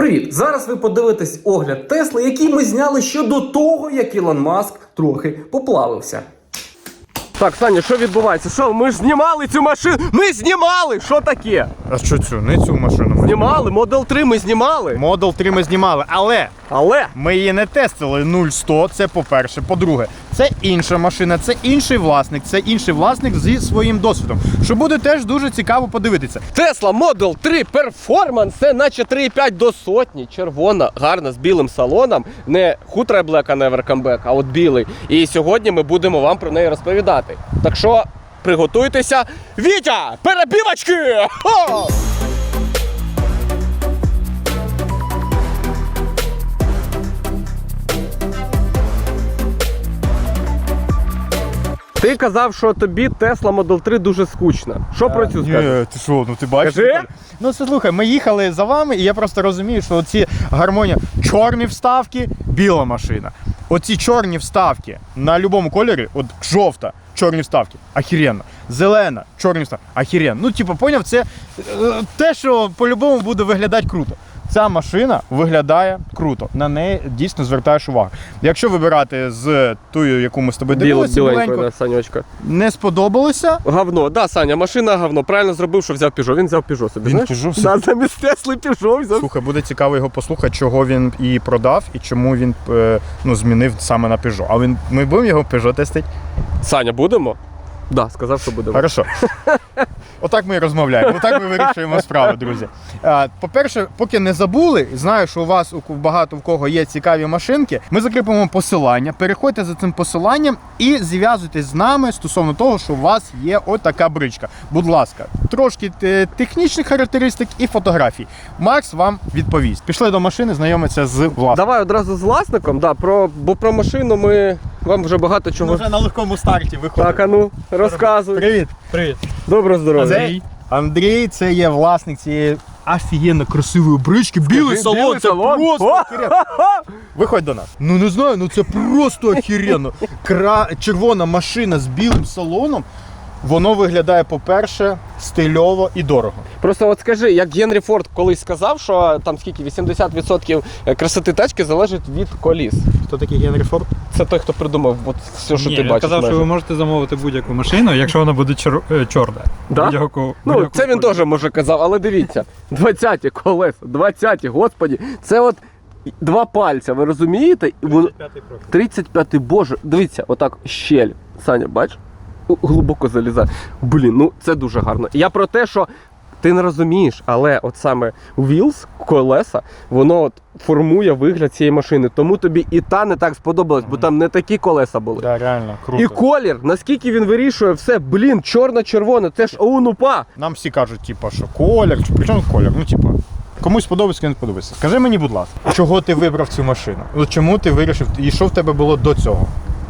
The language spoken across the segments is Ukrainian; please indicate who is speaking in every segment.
Speaker 1: Привіт! Зараз ви подивитесь огляд Тесли, який ми зняли ще до того, як Ілон Маск трохи поплавився. Так, Саня, що відбувається? Що, ми ж знімали цю машину? Ми знімали! Що таке?
Speaker 2: А що цю? Не цю машину ми
Speaker 1: Знімали? Model 3 ми знімали.
Speaker 2: Model 3 ми знімали, але ми її не тестили 0-100, це по-перше. По-друге, це інша машина, це інший власник зі своїм досвідом, що буде теж дуже цікаво подивитися.
Speaker 1: Tesla Model 3 Performance, це наче 3,5 до сотні, червона, гарна, з білим салоном. Не Хутрай Black Never Come Back, а от білий. І сьогодні ми будемо вам про неї розповідати. Так що, приготуйтеся. Вітя, перебівочки! Хо! Ти казав, що тобі Tesla Model 3 дуже скучна. Що про цю скажеш?
Speaker 2: Ні, ти що, ну ти бачиш?
Speaker 1: Кажи.
Speaker 2: Ну це слухай, ми їхали за вами, і я просто розумію, що оці гармонія, чорні вставки, біла машина. Оці чорні вставки на будь-якому кольорі, от жовта, чорні вставки, ахіренно. Зелена, чорні вставки, ахіренно. Ну, типу, поняв, це те, що по-любому буде виглядати круто. Ця машина виглядає круто, на неї дійсно звертаєш увагу. Якщо вибирати з тою, яку ми з тобою дивилися,
Speaker 1: Біленькою, Санечка.
Speaker 2: не сподобалося.
Speaker 1: Говно, да, Саня, машина говно. Правильно зробив, що взяв Peugeot. Він взяв Peugeot собі,
Speaker 2: Він
Speaker 1: знаєш?
Speaker 2: Peugeot собі?
Speaker 1: Да, замість Тесли Peugeot взяв.
Speaker 2: Слухай, буде цікаво його послухати, чого він її продав і чому він змінив саме на Peugeot. А ми будемо його Peugeot тестити?
Speaker 1: Саня, будемо? Да, сказав, що будемо.
Speaker 2: Хорошо. Отак ми і розмовляємо, отак ми вирішуємо справи, друзі. По-перше, поки не забули, знаю, що у вас багато в кого є цікаві машинки, ми закріпимо посилання, переходьте за цим посиланням і зв'язуйтесь з нами стосовно того, що у вас є отака бричка. Будь ласка, трошки технічних характеристик і фотографій. Макс вам відповість. Пішли до машини, знайомитися з власником.
Speaker 1: Давай одразу з власником, да, бо про машину ми вам вже багато чого...
Speaker 2: Ми вже на легкому старті виходимо.
Speaker 1: Так, а ну, розказуй.
Speaker 2: Привіт.
Speaker 3: Привіт.
Speaker 1: Доброго здоров'я.
Speaker 2: Андрій, це є власник цієї офігенно красивої брички. Білий салон,
Speaker 1: білий
Speaker 2: це
Speaker 1: салон.
Speaker 2: просто охеренно. Виходь до нас. Ну не знаю, ну це просто охеренно. Червона машина з білим салоном. Воно виглядає, по-перше, стильово і дорого.
Speaker 1: Просто от скажи, як Генрі Форд колись сказав, що там скільки, 80% красоти тачки залежить від коліс.
Speaker 2: Хто такий Генрі Форд?
Speaker 1: Це той, хто придумав от все, що
Speaker 3: Ні,
Speaker 1: ти
Speaker 3: він
Speaker 1: бачиш.
Speaker 3: казав,
Speaker 1: майже.
Speaker 3: що ви можете замовити будь-яку машину, якщо вона буде чорна.
Speaker 1: Да?
Speaker 3: Будь-яку
Speaker 1: Це він
Speaker 3: кольору.
Speaker 1: теж може казав, але дивіться, 20-ті колеса, 20-ті, господі, це от два пальця, ви розумієте? 35-й, боже, дивіться, отак щель. Саня, бач? Глибоко залізає. Блін, ну це дуже гарно. Я про те, що ти не розумієш, але от саме wheels, колеса, воно от формує вигляд цієї машини. Тому тобі і та не так сподобалась, бо там не такі колеса були.
Speaker 2: Да, реально, круто.
Speaker 1: І колір, наскільки він вирішує все, блін, чорно-червоне, це ж оунупа.
Speaker 2: Нам всі кажуть, типу, що колір, при чому колір? Ну, типу, комусь подобається, комусь не подобається. Скажи мені, будь ласка, чого ти вибрав цю машину? От чому ти вирішив, і що в тебе було до цього?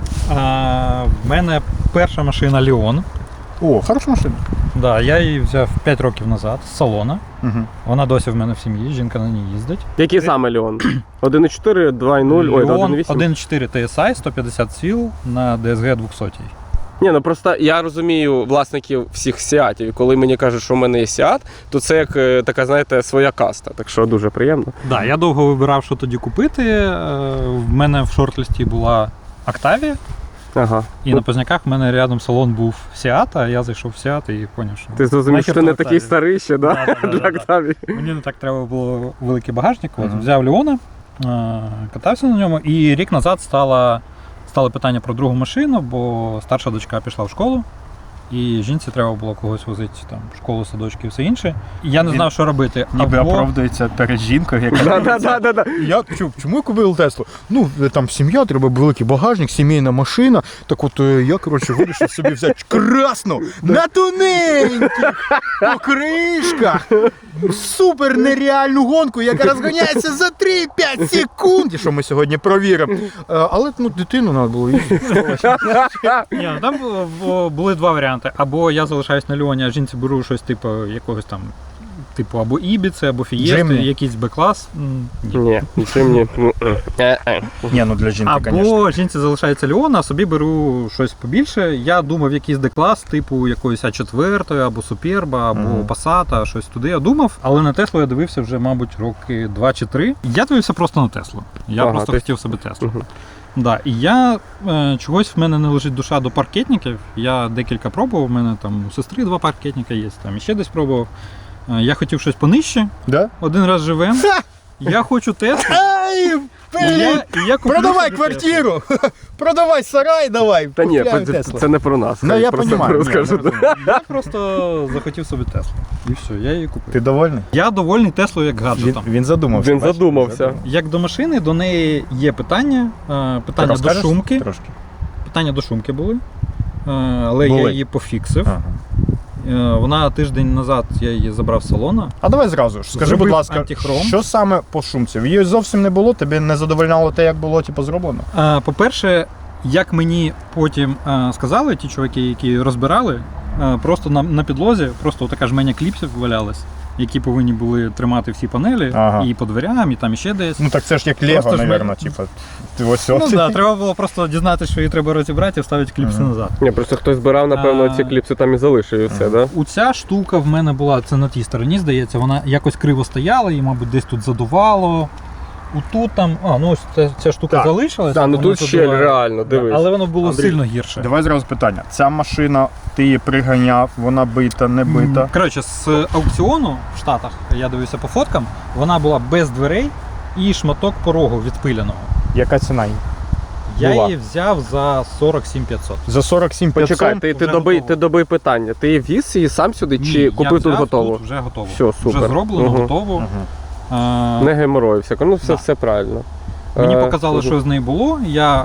Speaker 3: В мене перша машина Leon.
Speaker 2: О, хороша машина.
Speaker 3: Да, я її взяв 5 років назад з салона.
Speaker 2: Угу.
Speaker 3: Вона досі в мене в сім'ї, жінка на ній їздить.
Speaker 1: Який саме Леон? 1.4, 2.0, ой,
Speaker 3: Leon
Speaker 1: 1.8?
Speaker 3: 1.4 TSI, 150 сіл на DSG 200.
Speaker 1: Ні, ну просто я розумію власників всіх Сіатів. І коли мені кажуть, що в мене є Сіат, то це як така, знаєте, своя каста. Так що дуже приємно.
Speaker 3: Да, я довго вибирав, що тоді купити. В мене в шорт-листі була Octavia.
Speaker 1: Ага.
Speaker 3: І на Позняках в мене рядом салон був Seat, а я зайшов в Seat і зрозумів, що...
Speaker 1: Ти зрозумів, що ти не такий старий ще, да?
Speaker 3: Да.
Speaker 1: Для Octavia.
Speaker 3: Мені не так треба було великий багажник. От, взяв Леона, катався на ньому, і рік назад стало питання про другу машину, бо старша дочка пішла в школу, і жінці треба було когось возити там, в школу, садочки і все інше. І я не знав, що робити.
Speaker 2: Ніби оправдується перед жінкою, яка...
Speaker 1: Да.
Speaker 2: Чому я купив Теслу? Ну, там сім'я, треба великий багажник, сімейна машина. Так от я, коротше, вирішив собі взяти красну, на тоненьких покришках, супер нереальну гонку, яка розганяється за 3-5 секунд. І що ми сьогодні провіримо. Але, ну, дитину треба було їздити.
Speaker 3: Ні, ну, там були два варіанти. Або я залишаюсь на Леоні, а жінці беру щось типу якогось там Типу або Ібіци, або Фієсти,
Speaker 2: Джимні.
Speaker 3: якийсь Б-клас.
Speaker 1: Ні, нічим ні.
Speaker 2: Ні, ну для жінки, звісно.
Speaker 3: Або жінці залишається Леона, а собі беру щось побільше. Я думав, якийсь Д-клас, типу якоїсь А4, або Суперба, або Passat, щось туди я думав. Але на Теслу я дивився вже, мабуть, роки 2 чи 3. Я дивився просто на Теслу. Я
Speaker 1: Ага,
Speaker 3: просто
Speaker 1: ти-
Speaker 3: хотів собі Теслу. Да, і я чогось в мене не лежить душа до паркетників. Я декілька пробував, у мене там у сестри 2 паркетника є, там іще десь пробував. Я хотів щось понижче.
Speaker 2: Да?
Speaker 3: Один раз живем. Я хочу Теслу.
Speaker 2: Ай,
Speaker 3: І я куплю
Speaker 2: продавай
Speaker 3: собі
Speaker 2: квартиру! Продавай сарай, давай!
Speaker 1: Та ні,
Speaker 2: купляємо
Speaker 1: це,
Speaker 2: Теслу.
Speaker 1: це не про нас.
Speaker 2: Ну,
Speaker 1: хай
Speaker 2: я
Speaker 1: просто
Speaker 2: понімаю,
Speaker 1: розкажу.
Speaker 2: ні,
Speaker 3: Теслу. Я просто захотів собі Теслу. І все, я її купив.
Speaker 2: Ти довольний?
Speaker 3: Я довольний Теслою як гаджетом.
Speaker 2: Він задумався.
Speaker 1: Він
Speaker 2: бачиш?
Speaker 1: задумався.
Speaker 3: Як до машини, до неї є питання. Питання до
Speaker 2: Розкажеш
Speaker 3: шумки.
Speaker 2: Трошки.
Speaker 3: Питання до шумки були. Але я
Speaker 2: Були.
Speaker 3: її пофіксив.
Speaker 2: Ага.
Speaker 3: Вона тиждень назад я її забрав з салона.
Speaker 2: А давай зразу ж. Скажи,
Speaker 3: Зробив
Speaker 2: будь ласка,
Speaker 3: антихром.
Speaker 2: що саме по шумці? Її зовсім не було, тобі не задовольняло те, як було типу, зроблено?
Speaker 3: По-перше, як мені потім сказали ті чуваки, які розбирали, просто на підлозі, просто така жменя кліпсів валялась, які повинні були тримати всі панелі,
Speaker 2: Ага.
Speaker 3: і по дверям, і там іще десь.
Speaker 2: Ну так це ж як Лего,
Speaker 3: Просто ж
Speaker 2: мабуть, типу. Ти ось
Speaker 3: Ну
Speaker 2: ось.
Speaker 3: так, треба було просто дізнатися, що її треба розібрати і вставити кліпси назад.
Speaker 1: Ні, просто хтось збирав, напевно, ці кліпси там і залишив і все, да?
Speaker 3: Оця штука в мене була, це на тій стороні, здається, вона якось криво стояла, і, мабуть, десь тут задувало. Отут там, ну ось ця штука
Speaker 2: Так.
Speaker 3: залишилась.
Speaker 1: Та, ну
Speaker 3: вона
Speaker 1: тут щель
Speaker 3: задуває.
Speaker 1: реально, дивись.
Speaker 3: Але воно було
Speaker 2: Андрій,
Speaker 3: сильно гірше.
Speaker 2: Давай зразу питання. Ця машина, ти її приганяв, вона бита, не бита?
Speaker 3: Коротше, з аукціону в Штатах, я дивився по фоткам, вона була без дверей і шматок порогу відпиленого.
Speaker 2: Яка ціна її?
Speaker 3: Я
Speaker 2: Була.
Speaker 3: її взяв за 47 500.
Speaker 2: За 47 500?
Speaker 1: Почекай, ти
Speaker 3: вже
Speaker 1: доби,
Speaker 3: готово.
Speaker 1: ти доби питання. Ти віз її сам сюди чи
Speaker 3: Ні,
Speaker 1: купив
Speaker 3: я
Speaker 1: тут
Speaker 3: взяв
Speaker 1: готово?
Speaker 3: Тут вже готово.
Speaker 1: Все, супер.
Speaker 3: Вже зроблено,
Speaker 1: Мгм.
Speaker 3: готово.
Speaker 2: Мгм.
Speaker 1: Не геморроївся. Ну все,
Speaker 3: Да.
Speaker 1: все правильно.
Speaker 3: Мені показали,
Speaker 1: мгм.
Speaker 3: що з нею було.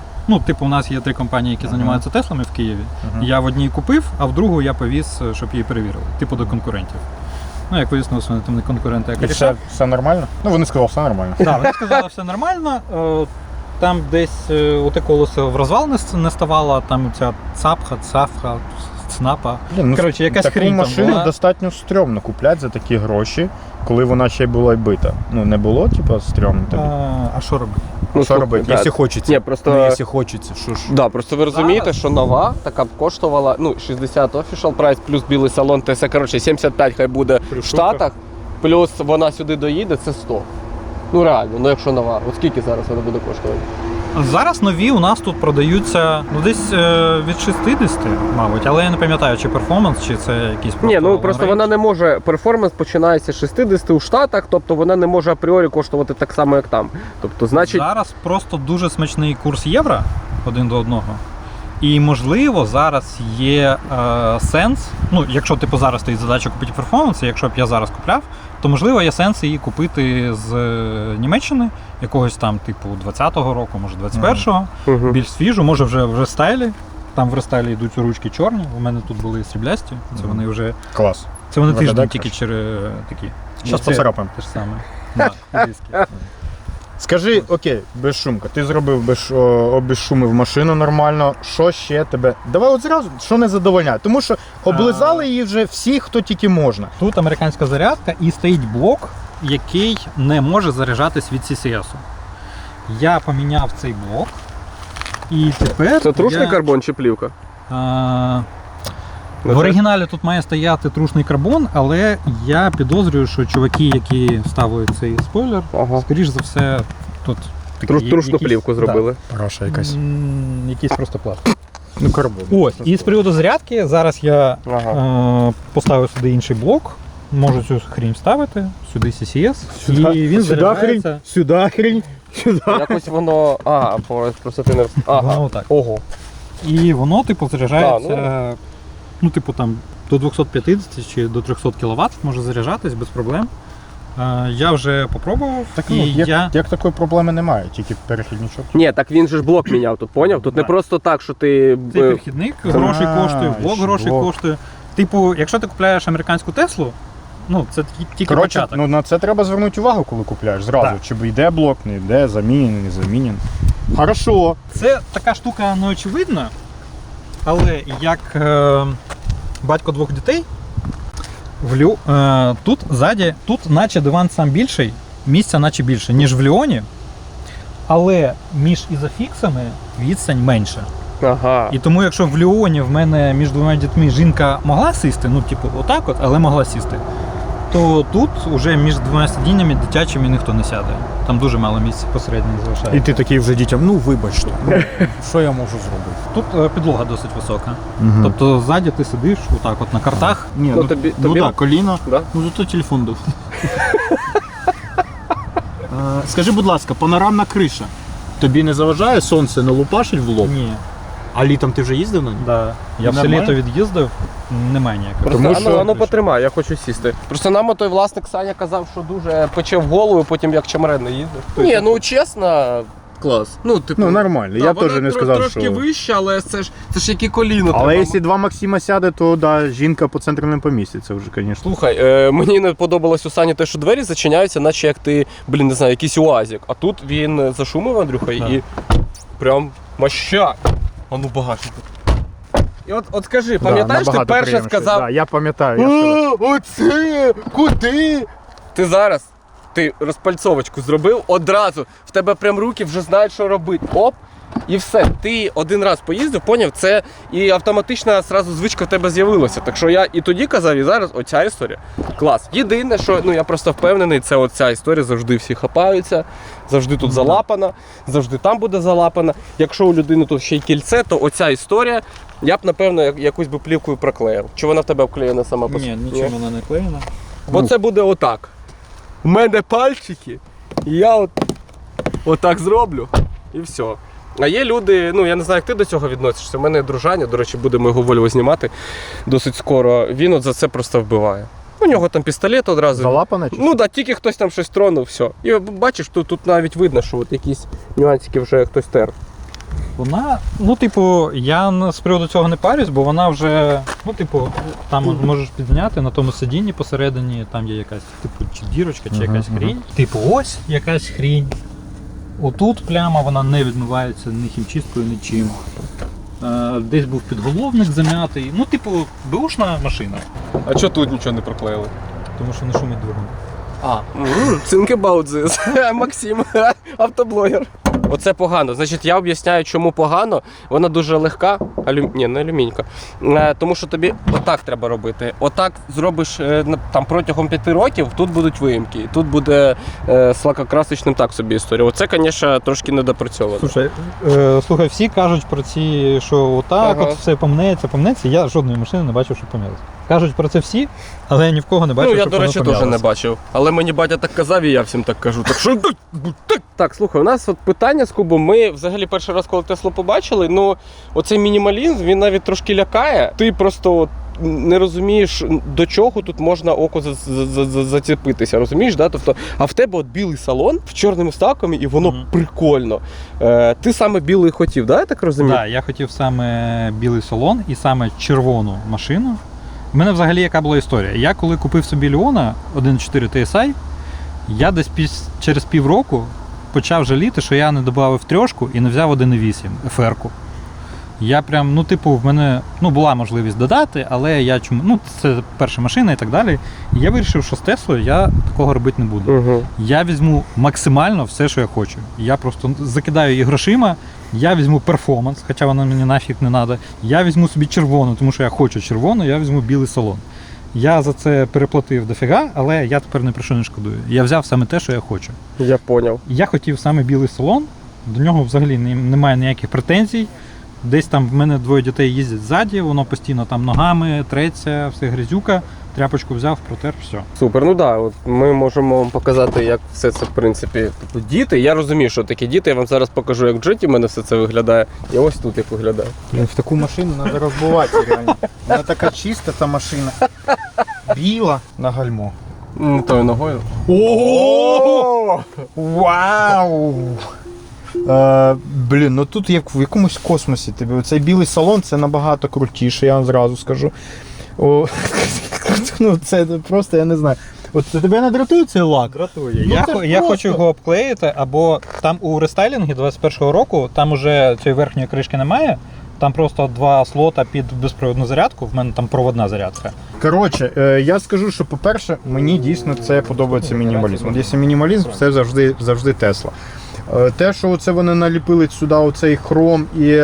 Speaker 3: У нас є 3 компанії, які займаються Теслами в Києві.
Speaker 2: Мгм.
Speaker 3: Я в одній купив, а в другу я повіз, щоб її перевірили. Типу до конкурентів. Ну, як вияснилося, вони там не конкуренти, а
Speaker 2: І все нормально? Ну вони сказали, все нормально.
Speaker 3: Так, вони сказали, все нормально. Там десь оте колесо в розвал не ставало, там ця цапха, цнапа.
Speaker 2: Блін, ну,
Speaker 3: Коротше, якась
Speaker 2: таку
Speaker 3: хрінь там
Speaker 2: машину
Speaker 3: була.
Speaker 2: достатньо стрьомно купляти за такі гроші, коли вона ще й була й бита. Ну не було, типу, стрьомно тобі?
Speaker 3: А що робити?
Speaker 1: Ну,
Speaker 2: Що
Speaker 1: слухай,
Speaker 2: робити?
Speaker 1: да.
Speaker 2: Якщо хочеться.
Speaker 1: Ні, просто-
Speaker 2: Ну, якщо хочеться, що ж.
Speaker 1: Да, просто ви розумієте,
Speaker 3: Зараз.
Speaker 1: що нова така б коштувала 60 official price плюс білий салон, це коротше 75 хай буде в Штатах, плюс вона сюди доїде, це 100. Ну реально, ну якщо нова. От скільки зараз вона буде коштувати?
Speaker 3: Зараз нові у нас тут продаються десь від 60, мабуть, але я не пам'ятаю, чи перформанс, чи це якийсь
Speaker 1: Ні, ну
Speaker 3: long
Speaker 1: просто
Speaker 3: range.
Speaker 1: вона не може. Перформанс починається з 60 у Штатах, тобто вона не може апріорі коштувати так само, як там. Тобто, значить,
Speaker 3: Зараз просто дуже смачний курс євро один до одного. І можливо зараз є сенс. Ну, якщо типу зараз стоїть задача купити перформанс, і якщо б я зараз купляв, то можливо є сенс її купити з Німеччини, якогось там, типу, 20-го року, може 21-го,
Speaker 1: Мгм.
Speaker 3: більш свіжу, може вже в рестайлі. Там в рестайлі йдуть ручки чорні. У мене тут були сріблясті. Це вони вже.
Speaker 2: Клас.
Speaker 3: Це вони
Speaker 2: Виглядає
Speaker 3: тиждень тільки
Speaker 2: краще.
Speaker 3: через такі.
Speaker 2: Щас
Speaker 3: Це
Speaker 2: поцарапаємо.
Speaker 3: Те ж саме. Да, диски.
Speaker 2: Скажи, окей, безшумка. Ти зробив обезшумив машину нормально. Що ще тебе? Давай от зразу, що не задовольняє. Тому що облизали її вже всі, хто тільки можна.
Speaker 3: Тут американська зарядка і стоїть блок, який не може заряджатись від CCS. Я поміняв цей блок. І тепер.
Speaker 1: Це трушний
Speaker 3: я,
Speaker 1: карбон чи плівка?
Speaker 3: В оригіналі тут має стояти трушний карбон, але я підозрюю, що чуваки, які ставили цей спойлер,
Speaker 1: Ага.
Speaker 3: скоріш за все, тут такі
Speaker 1: Трушну
Speaker 3: якісь-
Speaker 1: плівку зробили.
Speaker 2: Параша
Speaker 3: Якийсь просто пластик.
Speaker 2: Ну, карбон.
Speaker 3: Ось, і з приводу зарядки, зараз я
Speaker 1: Ага.
Speaker 3: поставив сюди інший блок, можу цю хрінь вставити, сюди CCS, і він заряджається.
Speaker 2: Сюди хрінь, сюди.
Speaker 1: Якось воно. Просто ти не
Speaker 3: Воно отак.
Speaker 1: Ого.
Speaker 3: І воно, типу, заряджається,
Speaker 1: Так,
Speaker 3: там до 250 чи до 300 кВт може заряджатись без проблем. Я вже попробував,
Speaker 2: Так,
Speaker 3: і
Speaker 2: ну,
Speaker 3: я...
Speaker 2: як такої проблеми немає, тільки перехідничок.
Speaker 1: Ні, так він же ж блок міняв тут, поняв? Тут не
Speaker 3: Так.
Speaker 1: просто так, що ти.
Speaker 3: Цей перехідник грошей коштує, блок
Speaker 2: ще
Speaker 3: грошей
Speaker 2: блок.
Speaker 3: коштує. Типу, якщо ти купляєш американську Теслу, ну це тільки
Speaker 2: Коротше,
Speaker 3: початок.
Speaker 2: ну на це треба звернути увагу, коли купляєш. Зразу.
Speaker 3: Так.
Speaker 2: Чи йде блок, не йде, замінений, не замінений. Хорошо.
Speaker 3: Це така штука неочевидна, але як батько 2 дітей, Тут ззаді, тут наче диван сам більший, місця наче більше, ніж в Ліоні, але між ізофіксами відстань менша.
Speaker 1: Ага.
Speaker 3: І тому, якщо в Ліоні в мене між двома дітьми жінка могла сісти, ну, типу, отак от, але могла сісти, то тут вже між двома сидіннями дитячими ніхто не сяде. Там дуже мало місця посередині залишається.
Speaker 2: І ти такий вже дітям, ну вибачте, що я можу зробити?
Speaker 3: Тут підлога досить висока.
Speaker 2: Мгм.
Speaker 3: Тобто ззаді ти сидиш отак от на картах.
Speaker 2: Ні,
Speaker 1: Ну, тобі-
Speaker 2: так, коліна.
Speaker 1: Да?
Speaker 2: Ну зато телефон дав. Скажи, будь ласка, панорамна криша. Тобі не заважає сонце не лупашить в лоб?
Speaker 3: Ні.
Speaker 2: А літом ти вже їздив на ній?
Speaker 3: Да. Я все
Speaker 2: Нормально?
Speaker 3: літо від'їздив, немає ніякого.
Speaker 1: Просто
Speaker 2: Тому що-
Speaker 1: ану потримай, я хочу сісти. Просто нам той власник Саня казав, що дуже пече в голову, потім як чемрен не їздив. Ні, ну чесно, клас. Ну, типу,
Speaker 2: Ну нормально, я б теж не сказав,
Speaker 1: трошки
Speaker 2: що...
Speaker 1: вище, але це ж які коліна.
Speaker 2: Але
Speaker 1: треба.
Speaker 2: якщо два Максима сяде, то да, жінка по центру не поміститься вже, звісно.
Speaker 1: Слухай, мені не подобалось у Сані те, що двері зачиняються, наче як ти, не знаю, якийсь уазик. А тут він зашумив, Андрюха, і прям мощак. А ну багажник. І от скажи, пам'ятаєш, ти перше сказав,
Speaker 2: Да, я пам'ятаю, я сказав.
Speaker 1: оце, куди? Ти зараз, ти розпальцовочку зробив, одразу, в тебе прям руки вже знають, що робити. Оп, і все. Ти один раз поїздив, поняв, це і автоматична зразу звичка в тебе з'явилася. Так що я і тоді казав, і зараз оця історія. Клас. Єдине, що я просто впевнений, це оця історія, завжди всі хапаються, завжди тут залапана, завжди там буде залапана. Якщо у людини тут ще й кільце, то оця історія, я б, напевно, якусь би плівкою проклеїв. Чи вона в тебе обклеєна сама по
Speaker 3: Ні, нічого вона не клеєна.
Speaker 1: Бо це буде отак. У мене пальчики, і я отак зроблю, і все. А є люди, я не знаю, як ти до цього відносишся. У мене дружання, до речі, будемо його Вольво знімати досить скоро. Він от за це просто вбиває. У нього там пістолет одразу.
Speaker 2: Залапана чи?
Speaker 1: Ну так, тільки хтось там щось тронув, все. І бачиш, тут навіть видно, що от якісь нюансики вже хтось тер.
Speaker 3: Вона, я з приводу цього не парюсь, бо вона вже, там можеш підняти на тому сидінні посередині, там є якась, чи дірочка, чи якась хрінь. Ось якась хрінь. Отут пляма, вона не відмивається ні хімчисткою, нічим. Десь був підголовник зам'ятий. Беушна машина.
Speaker 1: А чого тут нічого не проклеїли?
Speaker 3: Тому що не шумить двигун.
Speaker 1: Think about this. Максим, автоблогер. Оце погано. Значить, я об'ясняю, чому погано. Вона дуже легка, не алюмінька. Тому що тобі отак треба робити. Отак зробиш там протягом 5 років, тут будуть виїмки. Тут буде з лакокрасочним так собі історія. Оце, звісно, трошки недопрацьовано.
Speaker 3: Слухай, всі кажуть про ці, що отак от все помнеться. Я жодної машини не бачив, що помнялося. Кажуть про це всі, але я ні в кого не бачив,
Speaker 1: я,
Speaker 3: щоб
Speaker 1: до речі,
Speaker 3: воно
Speaker 1: теж не бачив. Але мені батя так казав, і я всім так кажу. Так що так, слухай, у нас от питання з Кубом. Ми взагалі перший раз, коли Теслу побачили, оцей мінімалізм, він навіть трошки лякає. Ти просто не розумієш, до чого тут можна око зацепитися, розумієш? Да? Тобто, а в тебе от білий салон з чорними вставками, і воно прикольно. Ти саме білий хотів, да? Я так розумію?
Speaker 3: Так, я хотів саме білий салон і саме червону машину. У мене взагалі яка була історія. Я коли купив собі Леона 1.4 TSI, я десь через півроку почав жаліти, що я не додав трьошку і не взяв 1.8 FR-ку. Я прям, в мене була можливість додати, але я це перша машина і так далі. І я вирішив, що з Теслою я такого робити не буду.
Speaker 1: Угу.
Speaker 3: Я візьму максимально все, що я хочу. Я просто закидаю її грошима, я візьму перформанс, хоча вона мені нафіг не треба. Я візьму собі червону, тому що я хочу червону, я візьму білий салон. Я за це переплатив дофіга, але я тепер ні про що не шкодую. Я взяв саме те, що я хочу.
Speaker 1: Я поняв.
Speaker 3: Я хотів саме білий салон, до нього взагалі немає ніяких претензій. Десь там в мене двоє дітей їздять ззаді, воно постійно там ногами треться, все грязюка, тряпочку взяв, протер, все.
Speaker 1: Супер, от ми можемо вам показати, як все це, в принципі, діти. Я розумію, що такі діти, я вам зараз покажу, як в джеті в мене все це виглядає. І ось тут як виглядає.
Speaker 2: В таку машину треба розбивати реально. Вона така чиста, та машина. Біла на гальмо.
Speaker 1: Тою ногою.
Speaker 2: Ого! Вау! Тут як в якомусь космосі тобі. Цей білий салон це набагато крутіше, я вам зразу скажу. Це просто, я не знаю. От тебе не дратує цей лак?
Speaker 3: Дратує. Я хочу його обклеїти, або там у рестайлінгі 21-го року, там уже цієї верхньої кришки немає, Там просто 2 слота під безпровідну зарядку, в мене там проводна зарядка.
Speaker 2: Коротше, я скажу, що, по-перше, мені дійсно це подобається мінімалізм. От якщо мінімалізм, це завжди Тесла. Те, що оце вони наліпили сюди оцей хром і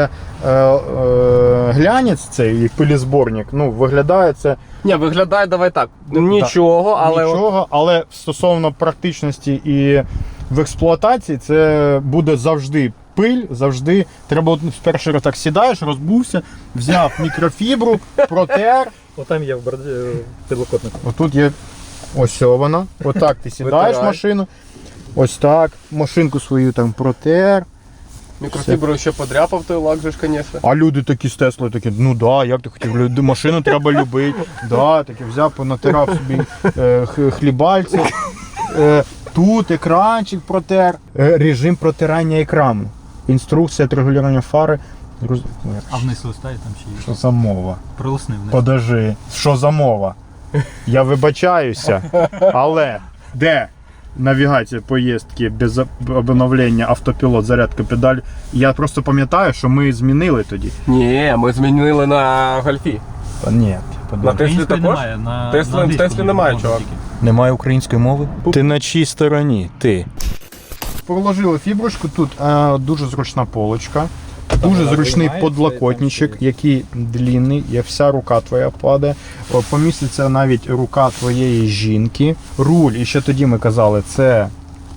Speaker 2: глянець, цей як пилізборник, ну, виглядає це
Speaker 1: Ні, виглядає, давай так. Нічого, але.
Speaker 2: нічого, але стосовно практичності і в експлуатації, це буде завжди пиль, завжди. Треба от перший раз так сідаєш, розбувся, взяв мікрофібру, протер.
Speaker 3: Отам є в підлокотнику.
Speaker 2: Отут є ось вона. Отак ти сідаєш в
Speaker 1: Витирай.
Speaker 2: машину. Ось так. Машинку свою там протер.
Speaker 1: Мікрофіброю ще подряпав той лак же ж, звісно.
Speaker 2: А люди такі з Теслою такі, ну да, як ти хотів, машину треба любити. Да, таки взяв, понатирав собі хлібальці. Тут екранчик протер. Режим протирання екрану. Інструкція регулювання фари.
Speaker 3: А вниз листай, там ще є.
Speaker 2: Що за мова?
Speaker 3: Прилисни вниз.
Speaker 2: Подожди, що за мова? Я вибачаюся, але де навігація поїздки без обновлення, автопілот, зарядка педаль? Я просто пам'ятаю, що ми змінили тоді.
Speaker 1: Ні, ми змінили на гольфі.
Speaker 2: Та ні,
Speaker 1: На Теслі
Speaker 3: Української
Speaker 1: також?
Speaker 3: немає, на
Speaker 1: В
Speaker 3: англійській
Speaker 1: Теслі немає,
Speaker 3: можна
Speaker 1: чувак.
Speaker 3: тільки.
Speaker 2: Немає української мови? Ти на чій стороні? Ти. Проложили фіброчку, тут дуже зручна полочка. Дуже зручний подлокотничок, який длинний, і вся рука твоя падає. Поміститься навіть рука твоєї жінки. Руль, і ще тоді ми казали, це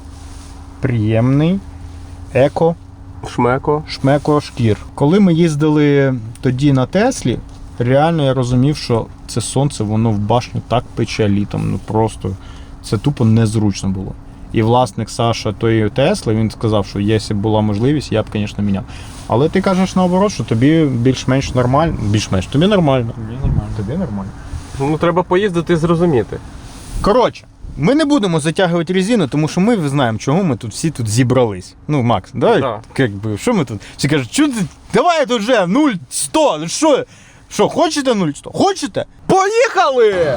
Speaker 2: приємний, еко, шмеко, шкір. Коли ми їздили тоді на Теслі, реально я розумів, що це сонце, воно в башню так пече літом. Ну просто це тупо незручно було. І власник Саша тої Тесли, він сказав, що якщо б була можливість, я б, звісно, міняв. Але ти кажеш наоборот, що тобі більш-менш нормально. Більш-менш, тобі нормально. Тобі нормально.
Speaker 1: Ну, треба поїздити і зрозуміти.
Speaker 2: Коротше, ми не будемо затягувати резину, тому що ми знаємо, чому ми тут всі тут зібрались. Ну, Макс, давай,
Speaker 1: Да.
Speaker 2: якби, що ми тут? Всі кажуть, що ти, давай тут вже 0-100, ну що? Що, хочете 0-100? Хочете? Поїхали!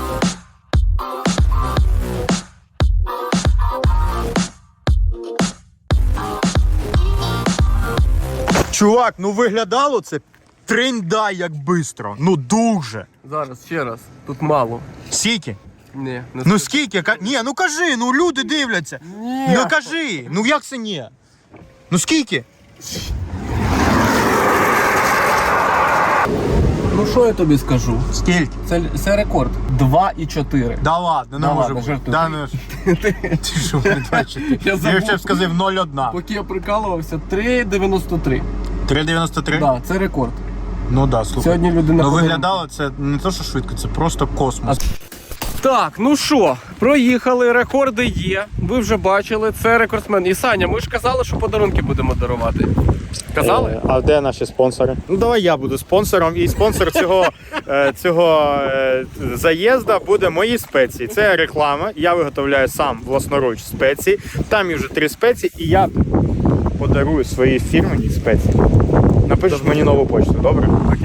Speaker 2: Чувак, ну виглядало це тринда як бистро. Ну дуже.
Speaker 1: Зараз, ще раз. Тут мало.
Speaker 2: Скільки?
Speaker 1: Ні, не
Speaker 2: Ну скільки? Ні, ну кажи, ну люди дивляться.
Speaker 1: Ні.
Speaker 2: Ну кажи, ну як це ні? Ну скільки?
Speaker 1: Ну що я тобі скажу?
Speaker 2: Скільки?
Speaker 1: Це рекорд. 2,4.
Speaker 2: Да ладно, не
Speaker 1: Да
Speaker 2: може
Speaker 1: ладно,
Speaker 2: бути.
Speaker 1: жартую.
Speaker 2: Да, ну, ти що, не бачите?
Speaker 1: Я забув.
Speaker 2: Я ще б сказав 0,1.
Speaker 1: Поки я прикалувався, 3,93.
Speaker 2: 3,93?
Speaker 1: Да, це рекорд.
Speaker 2: Ну да, слухай.
Speaker 1: Сьогодні людина
Speaker 2: Ну
Speaker 1: ходила-
Speaker 2: виглядало це не то, що швидко, це просто космос.
Speaker 1: Так, ну що, проїхали, рекорди є. Ви вже бачили, це рекордсмен. І Саня, ми ж казали, що подарунки будемо дарувати. Казали?
Speaker 2: А де наші спонсори? Ну давай я буду спонсором. І спонсор цього заїзду буде мої спеції. Це реклама. Я виготовляю сам власноруч спеції. Там є вже 3 спеції, і я подарую свої фірмені спеції. Напишеш мені нову почту, добре? Окей.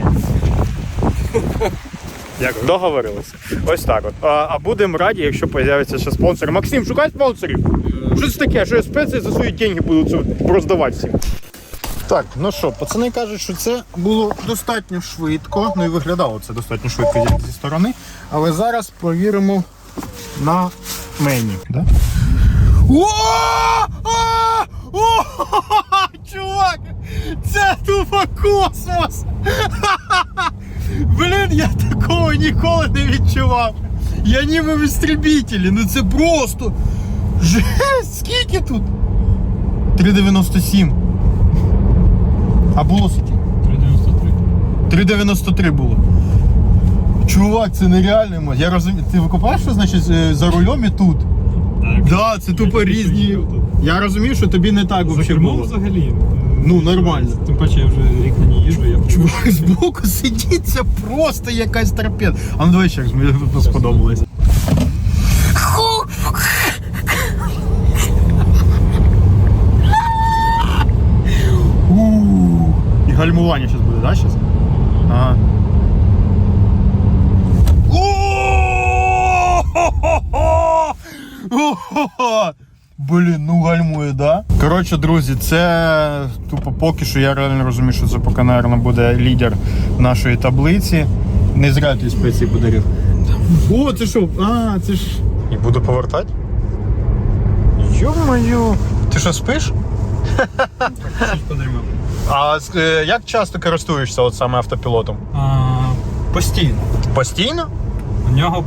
Speaker 2: Дякую. Договорилися. Ось так от. А будемо раді, якщо з'явиться ще спонсор. Максим, шукай спонсорів. Що це таке? Що я спеції за свої деньги буду роздавати всім? Так, ну що, пацани кажуть, що це було достатньо швидко. Ну і виглядало це достатньо швидко зі сторони. Але зараз провіримо на мені. Да? Чувак! Це тупо космос! Блін, я такого ніколи не відчував. Я ніби в істребітелі, ну це просто. Жесть, скільки тут? 3,97. А було скільки?
Speaker 3: 3,93.
Speaker 2: 3,93 було. Чувак, це нереально. Я розумію. Ти викупаєш, що значить за рулем і тут?
Speaker 3: Так.
Speaker 2: Да, це тупо різні. Я розумію, що тобі не так взагалі було.
Speaker 3: взагалі.
Speaker 2: Ну, нормально.
Speaker 3: Тим паче я вже рік на ній їжджу, я
Speaker 2: Чувак, збоку сидіть, це просто якась торпеда. А ну давай ще, мені тут сподобалось. І гальмування зараз буде, да, зараз? Ага. Блін, ну гальмує, да? Коротше, друзі, це тупо поки що я реально розумію, що це поки, мабуть, буде лідер нашої таблиці. Не зря ти спеції подарив. О, це що? А, це ж... І буду повертати? Йо-моє. Ти що, спиш? А як часто користуєшся от саме автопілотом?
Speaker 3: Постійно.
Speaker 2: Постійно?
Speaker 3: У нього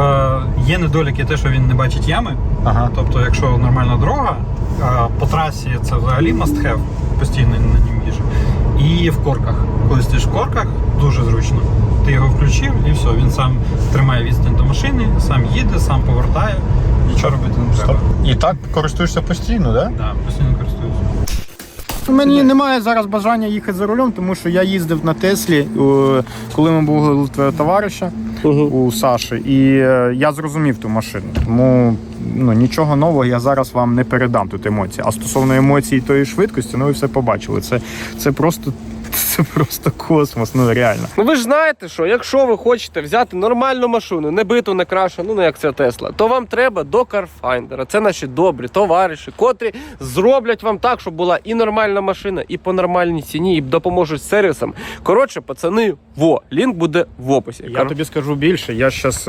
Speaker 3: є недоліки те, що він не бачить ями.
Speaker 2: Ага.
Speaker 3: Тобто, якщо нормальна дорога, по трасі це взагалі must have, постійно на ньому їжджу. І в корках. Коли стоїш в корках, дуже зручно. Ти його включив і все, він сам тримає відстань до машини, сам їде, сам повертає, нічого робити не треба.
Speaker 2: І так користуєшся постійно, так?
Speaker 3: Так, постійно користуюся.
Speaker 2: Мені немає зараз бажання їхати за рулем, тому що я їздив на Теслі, коли ми були у твого товариша, у Саші, і я зрозумів ту машину. Тому нічого нового я зараз вам не передам тут емоції. А стосовно емоцій тої швидкості, ви все побачили. Це просто космос, реально.
Speaker 1: Ну ви ж знаєте, що якщо ви хочете взяти нормальну машину, не биту, не крашену, як ця Тесла, то вам треба до Carfinder. Це наші добрі товариші, котрі зроблять вам так, щоб була і нормальна машина, і по нормальній ціні, і допоможуть з сервісом. Коротше, пацани, лінк буде в описі.
Speaker 2: Я тобі скажу більше, я зараз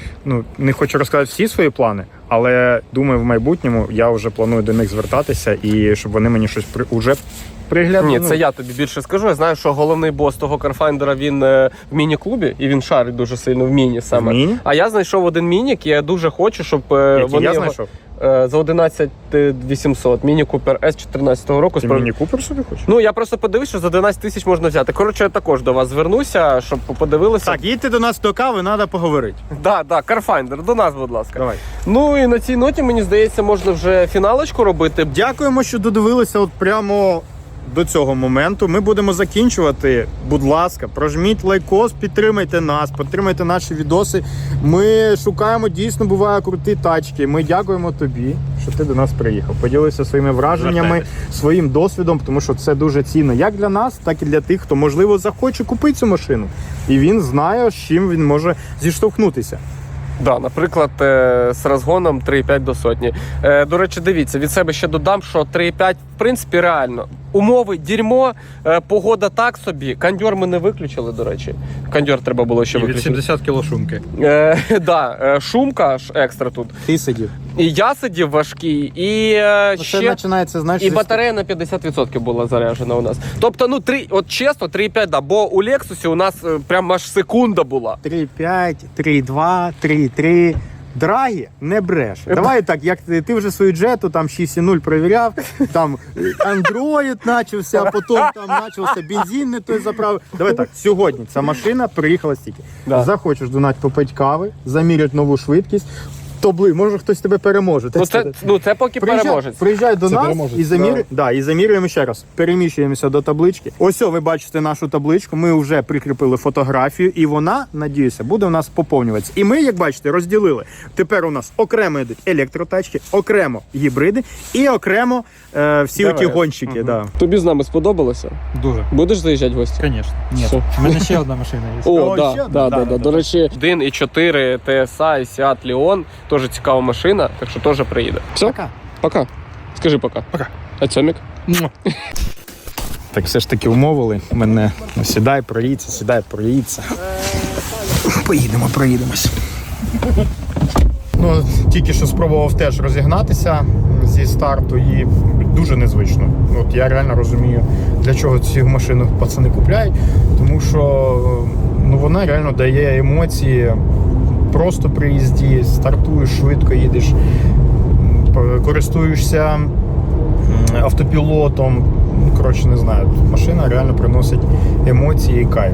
Speaker 2: не хочу розказати всі свої плани, але думаю, в майбутньому я вже планую до них звертатися і щоб вони мені щось уже приглянули.
Speaker 1: Ні, це я тобі більше скажу. Я знаю, що головний бос того Carfinder, він в міні-клубі, і він шарить дуже сильно в міні саме.
Speaker 2: В міні?
Speaker 1: А я знайшов один мінік, і я дуже хочу, щоб вони
Speaker 2: я
Speaker 1: його...
Speaker 2: знайшов?
Speaker 1: За 11 800. Міні Купер С 14-го року.
Speaker 2: Ти Міні Купер собі хочеш?
Speaker 1: Ну, я просто подивився, що за 11 тисяч можна взяти. Коротше, я також до вас звернуся, щоб подивилися.
Speaker 2: Так, їдьте до нас до кави, треба поговорити.
Speaker 1: Да, Carfinder, до нас, будь ласка.
Speaker 2: Давай.
Speaker 1: Ну і на цій ноті, мені здається, можна вже фіналочку робити.
Speaker 2: Дякуємо, що додивилися от прямо до цього моменту. Ми будемо закінчувати. Будь ласка, прожміть лайкос, підтримайте нас, підтримайте наші відоси. Ми шукаємо, дійсно, буває круті тачки. Ми дякуємо тобі, що ти до нас приїхав. Поділився своїми враженнями, своїм досвідом, тому що це дуже цінно як для нас, так і для тих, хто, можливо, захоче купити цю машину. І він знає, з чим він може зіштовхнутися.
Speaker 1: Да, наприклад, з розгоном 3,5 до сотні. До речі, дивіться, від себе ще додам, що 3,5 в принципі реально. Умови дерьмо, погода так собі. Кондьор ми не виключили, до речі. Кондьор треба було ще
Speaker 3: І від
Speaker 1: виключити.
Speaker 3: 70 кіло шумки.
Speaker 1: Шумка аж екстра тут.
Speaker 2: Ти сидів.
Speaker 1: І я сидів важкий, і
Speaker 2: Це починається, знаєш,
Speaker 1: і батарея на 50% була заряджена у нас. Тобто, от чесно, 3,5, да, бо у Лексусі у нас прям аж секунда була.
Speaker 2: 3,5, 3,2, 3,3. Драгі не бреше. Давай так, як ти вже свою джету там 6,0 перевіряв, там Android почався, а потім там почався бензин не той заправив. Давай так, сьогодні ця машина приїхала стільки.
Speaker 1: Да.
Speaker 2: Захочеш до нас попити кави, заміряти нову швидкість, може хтось тебе переможе.
Speaker 1: Це поки переможець.
Speaker 2: Приїжджай до
Speaker 3: Це
Speaker 2: нас
Speaker 3: переможець,
Speaker 2: і замірюємо ще раз. Переміщуємося до таблички. Ось ви бачите нашу табличку. Ми вже прикріпили фотографію, і вона, надіюся, буде у нас поповнюватися. І ми, як бачите, розділили. Тепер у нас окремо йдуть електротачки, окремо гібриди і окремо всі оті гонщики. Да.
Speaker 1: Тобі з нами сподобалося?
Speaker 3: Дуже.
Speaker 1: Будеш заїжджати в гості?
Speaker 3: Звісно. Ні.
Speaker 1: Все.
Speaker 3: У мене ще одна машина є.
Speaker 1: О,
Speaker 2: ще
Speaker 1: да.
Speaker 2: одна? Да.
Speaker 1: До речі, 1.4 TSI Seat Leon, теж цікава машина, так що теж приїде. Все? Пока. Скажи пока.
Speaker 2: Пока.
Speaker 1: А Цьомік?
Speaker 2: Так все ж таки умовили мене. Сідай, проїдься. Проїдемось. Ну, тільки що спробував теж розігнатися зі старту і дуже незвично. От я реально розумію, для чого цю машину пацани купляють, тому що вона реально дає емоції. Просто при їзді, стартуєш, швидко їдеш, користуєшся автопілотом. Коротше, не знаю, машина реально приносить емоції і кайф.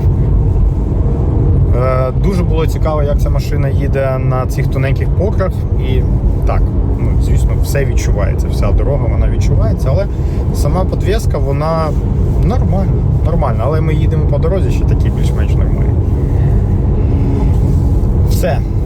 Speaker 2: Дуже було цікаво, як ця машина їде на цих тоненьких покрах. І так, звісно, все відчувається, вся дорога вона відчувається, але сама підвіска, вона нормальна. Але ми їдемо по дорозі ще такі більш-менш нормальні. Все.